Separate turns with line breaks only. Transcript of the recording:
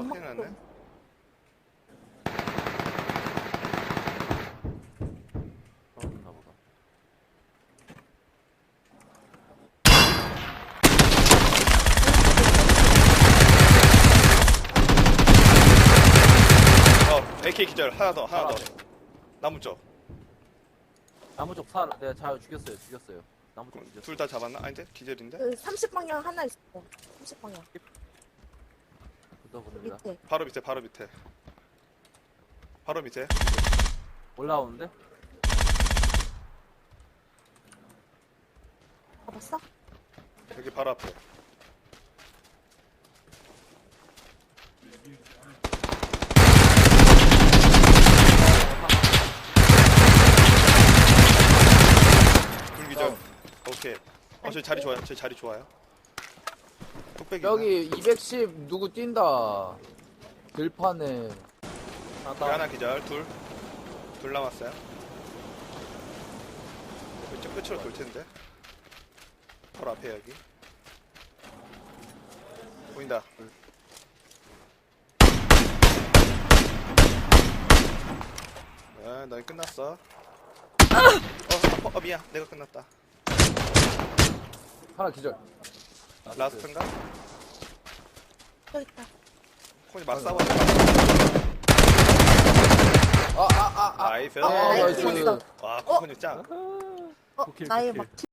연막
큰일 났네.
좀.
떨어졌나 보다.
AK 기절 하나 더.
하나
나무 쪽.
나무 쪽 사, 내가 잘 죽였어요. 나무 쪽 죽였어.
둘 다 잡았나? 아닌데? 기절인데?
그 30방향 하나 있어. 30방향.
붙어보냅니다.
밑에.
바로 밑에. 바로 밑에.
올라오는데?
잡았어?
여기 바로 앞에. 둘 기절. 오케이. 저희 자리 좋아요. 뚝배기.
여기 210 누구 뛴다. 들판에.
하나 기절. 둘 남았어요. 이쪽 끝으로 돌 텐데. 바로 앞에 여기. 보인다. 네, 너희 끝났어. 미안. 내가 끝났다.
하나 기절.
라스트인가?
여기 있다.
코니 막 싸워. 나이스.
나이스.
나이스.
와, 코니 짱.
나의 막